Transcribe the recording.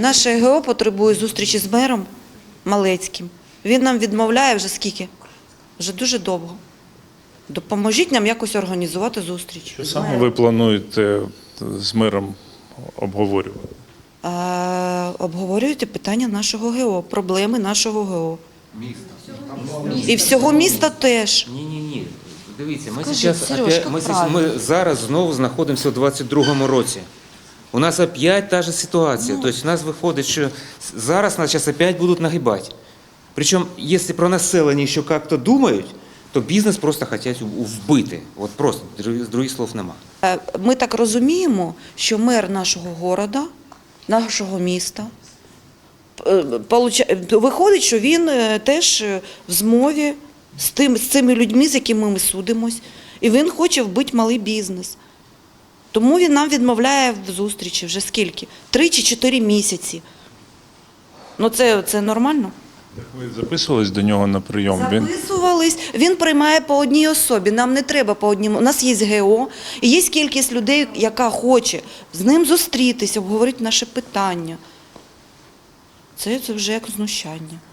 Наше ГО потребує зустрічі з мером Малецьким. Він нам відмовляє вже скільки? Вже дуже довго. Допоможіть нам якось організувати зустріч. Що саме ви плануєте з мером обговорювати? Обговорюєте питання нашого ГО, проблеми нашого ГО. І всього міста теж. Ні. Дивіться, Сережка, ми зараз знову знаходимося у 22-му році. У нас опять та же ситуація. Тобто у нас виходить, що зараз нас зараз опять будуть нагибати. Причому, якщо про населення ще як-то думають, то бізнес просто хочуть вбити. От просто, других слов нема. Ми так розуміємо, що мер нашого міста, нашого міста, виходить, що він теж в змові з цими людьми, з якими ми судимось, і він хоче вбити малий бізнес. Тому він нам відмовляє в зустрічі вже скільки? 3 чи 4 місяці. Ну це нормально? Так ви записувались до нього на прийом? Записувались. Він приймає по одній особі. Нам не треба по одній. У нас є ГО, і є кількість людей, яка хоче з ним зустрітися, обговорити наше питання. Це вже як знущання.